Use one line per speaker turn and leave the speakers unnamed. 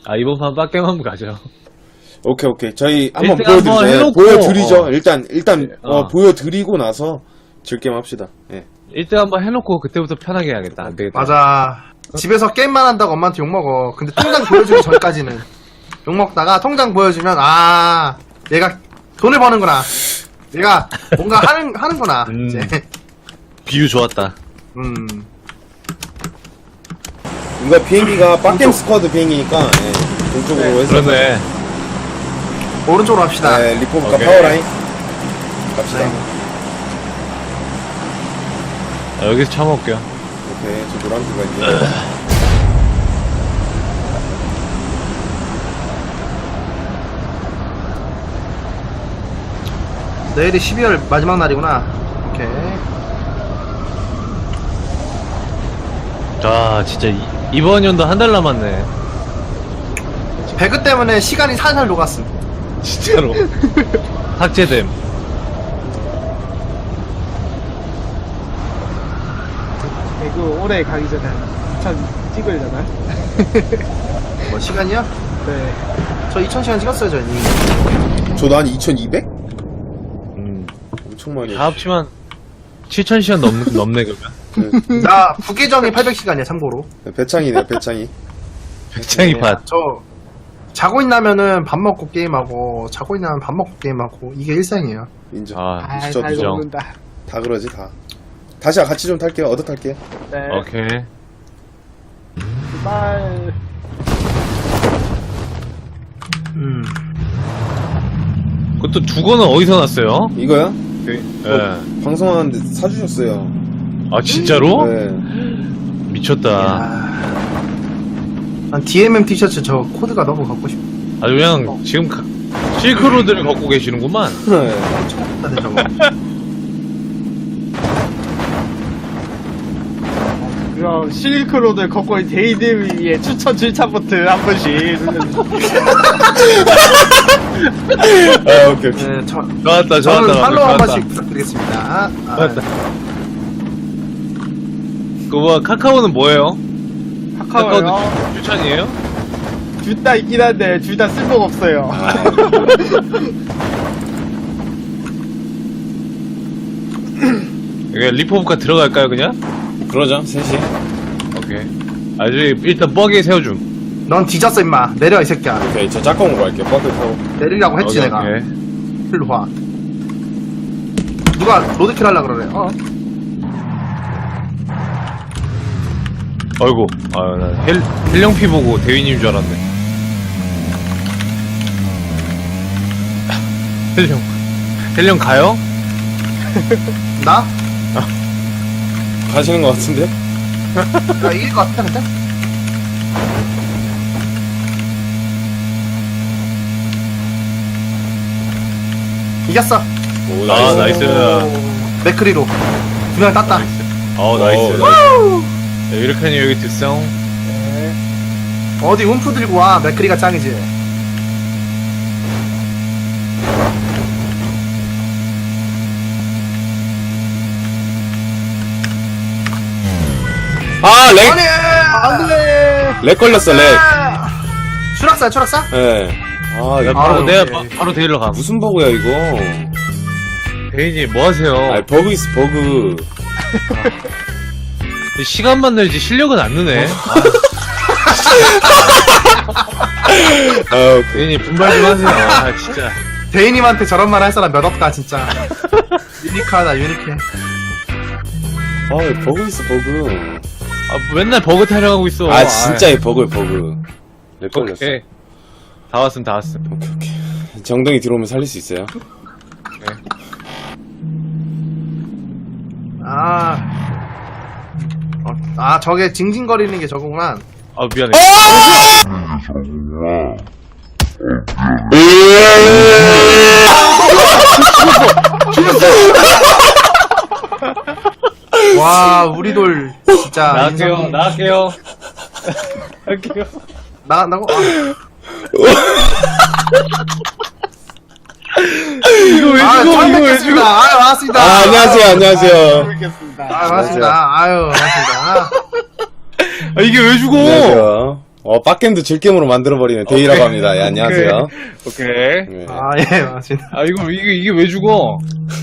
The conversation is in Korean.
아, 이번 판 빡겜 한번 가죠.
오케이. 저희 한번
일단 한번 해놓고,
보여드리죠. 일단
어.
보여드리고 나서 즐겜 합시다. 예.
1등 한번 해놓고 그때부터 편하게 해야겠다. 안 되겠다.
맞아. 집에서 게임만 한다고 엄마한테 욕먹어. 근데 통장 보여주기 전까지는 욕먹다가 통장 보여주면 얘가 돈을 버는구나. 얘가 뭔가 하는구나. 이제.
비유 좋았다.
이거 비행기가 빡겜 스쿼드 비행기니까 예. 동쪽으로 해서
그러네.
오른쪽으로 합시다.
네, 리포브카
오케이.
파워라인 갑시다.
네.
아, 여기서 참아올게요.
오케이, 저 노란색가 있네요.
내일이 12월 마지막 날이구나. 오케이.
자, 진짜 이번 연도 한 달 남았네.
배그 때문에 시간이 살살 녹았음.
진짜로. 삭제됨.
배그 올해 가기 전에 2000 찍으려나?
뭐 시간이요?
네.
저 2000시간 찍었어요, 저 이미.
저도 한 2200? 엄청 많이
다 합치면 7000시간 넘네, 그러면.
나 부계정이 800시간이야, 참고로.
배창이네요, 배창이.
백창이 팟.
저 자고 있나면은 밥 먹고 게임하고 자고 있나면 밥 먹고 게임하고 이게 일상이에요.
인정.
아,
진짜
잘
인정.
먹는다.
다 그러지, 다. 다시 같이 좀 탈게요. 얻어 탈게요.
네.
오케이.
빨.
그것도 두거는 어디서 났어요?
이거요?
예.
방송하는데 사주셨어요.
아, 진짜로?
네.
미쳤다.
난 DMM 티셔츠 저 코드가 너무 갖고 싶다.
아주 그냥 지금 실크로드를 걷고 계시는구만.
네.
저거.
그럼 실크로드 걷고 있는 데이드 위에 추천 질차 버튼 한 번씩 누르는.
아, 오케이.
네,
좋았다,
저는
좋았다.
팔로우 한
좋았다.
번씩 부탁드리겠습니다.
좋았다. 그 뭐, 카카오는 뭐예요?
카카오요?
추천이에요?
둘 다 있긴 한데 둘 다 쓸모가 없어요.
이게 리포브카 들어갈까요, 그냥?
그러죠, 셋이.
오케이. 아주 일단 뻐기에 세워줌.
넌 뒤졌어 임마. 내려 이 새끼야.
오케이, 저 짝꿍으로 갈게요. 버크 타고.
내리라고 했지
오케이,
내가.
오케이.
일로 와. 누가 로드킬 하려 그러래.
아이고, 아유, 나 헬령피 보고 대위님 줄 알았네. 헬령 가요?
나?
가시는 것 같은데?
나 이길 것 같은데 근데? 이겼어.
오,
아, 나이스.
맥크리로 두 명 땄다.
나이스.
오,
자, 이렇게 하니 여기 뒷성.
어디 움프 들고 와. 맥크리가 짱이지.
아, 렉!
아니 안돼.
렉 걸렸어, 렉.
추락사 추락사?
예. 아, 이거
바로
아유,
내가
오케이.
바로 데리러 가.
무슨 버그야, 이거.
대위님 뭐 하세요?
아, 버그 있어, 버그.
시간만 늘지 실력은 안 느네.
아, 오케이.
대위님 분발 좀 하세요. 아, 진짜.
대인님한테 저런 말 할 사람 몇 없다 진짜. 유니크하다 유니크해.
아, 버그 있어, 버그.
아, 맨날 버그 타령하고 있어.
아, 진짜 이 버그, 버그. 렉 걸렸어.
오케이. 다 왔음, 다 왔음.
오케이. 정동이 들어오면 살릴 수 있어요?
저게 징징거리는 게 저거구나.
아, 미안해.
와 우리 돌 진짜
나갈게요, 나갈게요. 나갈게요.
나간다고?
이거 왜
아,
죽어,
처음
이거 왜
뵙겠습니다.
죽어.
아유, 반갑습니다.
아, 안녕하세요, 안녕하세요.
모르겠습니다.
아유, 반갑습니다. 아유, 반갑습니다.
아, 이게 왜 죽어?
안녕하세요. 빡겜도 질겜으로 만들어버리는 데이라고 합니다. 예, 안녕하세요.
오케이.
네.
아, 예, 맞습니다.
아, 이게 왜 죽어?